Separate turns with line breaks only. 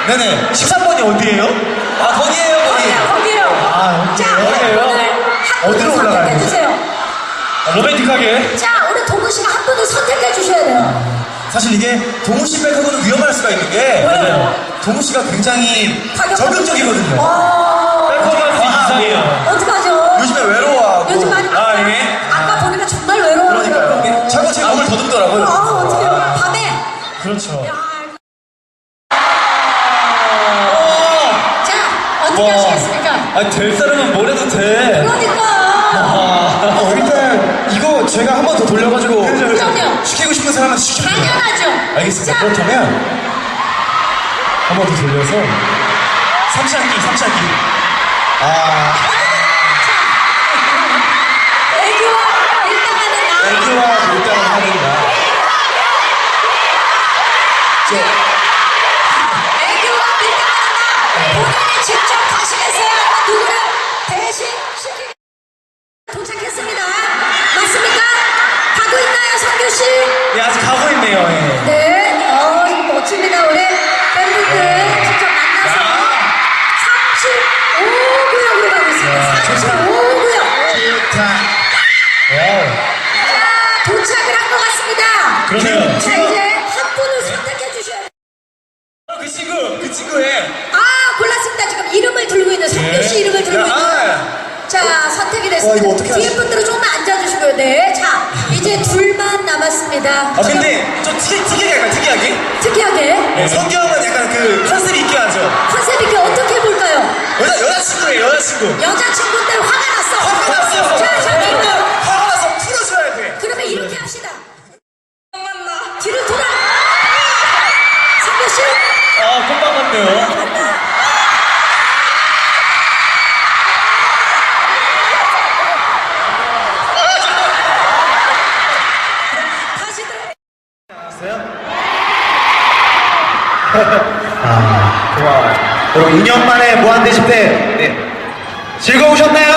네네.
13번이 어디예요?
아, 거기에요, 거기.
거기요.
아,
자,
여기예요?
오늘
어디로
한 분을
올라가야
선택해
되지?
주세요.
로맨틱하게.
자, 우리 동우 씨가 한 분을 선택해 주셔야 돼요.
사실 이게 동우 씨 백하고는 위험할 수가 있는 게
맞아요.
동우 씨가 굉장히
가격
적극적이거든요.
백허먼트 이상해요.
어떡하죠?
요즘에 외로워하고.
요즘 많이
아, 예.
아까 보니까 정말
그러니까요.
외로워하더라고요.
자꾸 제 몸을 더듬더라고요.
어떡해요. 밤에.
그렇죠.
야, 자, 어떻게 하시겠습니까?
아, 될 사람은 뭘 해도 돼.
그러니까.
일단 이거 제가 한 번 더 돌려가지고
그럼요.
시키고 싶은 사람한테 시켜요.
당연하죠.
알겠습니다.
자,
그렇다면
한 번 더 돌려서.
삼시한끼. 아,
애교와 일당하는 나.
애교와 밀당을 하는가.
애교와 밀당하는 나. 본인이 직접 가시겠어요? 아니면 누구를 대신 시키게 도착했습니다. 맞습니까? 가고 있나요, 성규 씨?
예, 아직 가고 있네요. 예.
네, 멋집니다. 우리 팬분들 직접 만나서 35구역으로 가고 있습니다. 35구역. 자, 도착을 한 것 같습니다.
그러면
자, 이제 한 분을 선택해 주셔야 돼요.
그 친구의.
아, 골랐습니다. 지금 이름을 들고 있는 성규 씨 이름을 들고 있는. 자, 선택이 됐습니다.
이거 어떻게
뒤에
하지?
분들은 조금만 앉아주시고요. 네. 자, 이제 둘만 남았습니다.
아, 근데 좀 특이하게 할까요?
특이하게
네, 성경은 약간 그 컨셉 있게 하죠.
컨셉 있게 어떻게 해볼까요?
여자친구예요, 여자친구.
여자친구인데 화가 났어.
화가 났어요.
자, 잠깐만요.
화가 나서 풀어줘야 돼.
그러면 이렇게 합시다. 뒤를 돌아. 성규 씨.
아, 금방 갔네요.
다시 들어.
고마워요. 여러분 2년 만에 무한대 10대 즐거우셨나요?